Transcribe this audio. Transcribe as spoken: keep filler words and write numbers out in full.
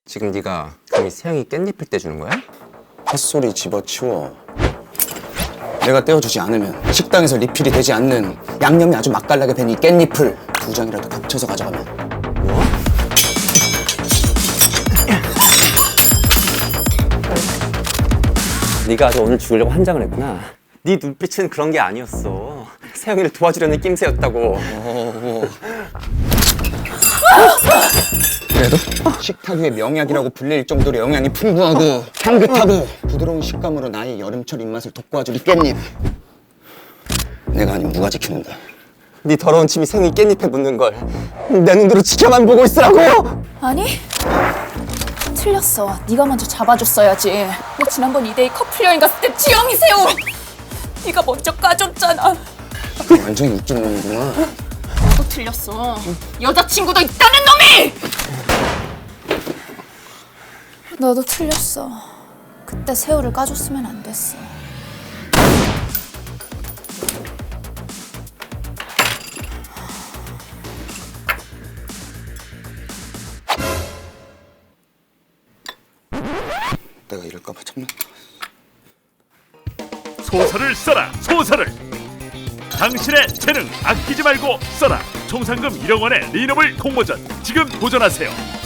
지금 네가 감히 세영이 깻잎을 떼주는 거야? 헛소리 집어치워. 내가 떼어주지 않으면 식당에서 리필이 되지 않는 양념이 아주 맛깔나게 밴 이 깻잎을 두 장이라도 겹쳐서 가져가면. 뭐? 네가 아주 오늘 죽으려고 환장을 했구나. 네 눈빛은 그런 게 아니었어. 세영이를 도와주려는 낌새였다고. 어... 그래도 식탁 위의 명약이라고 불릴 정도로 영양이 풍부하고 향긋하고 부드러운 식감으로 나의 여름철 입맛을 돋궈줄 이 깻잎. 내가 아니면 누가 지키는데? 네 더러운 침이 세영이 깻잎에 묻는 걸 내 눈으로 지켜만 보고 있으라고! 아니, 틀렸어. 네가 먼저 잡아줬어야지. 너 지난번 이데이 커플 여행 갔을 때 지영이 새우 네가 먼저 까줬잖아. 완전히 웃기는 놈이구나. 너도 틀렸어. 여자친구도 있다는 놈이! 너도 틀렸어. 그때 새우를 까줬으면 안 됐어. 내가 이럴까봐 참는다. 소설을 써라, 소설을. 당신의 재능 아끼지 말고 써라. 총 상금 일억 원의 리노블 공모전 지금 도전하세요.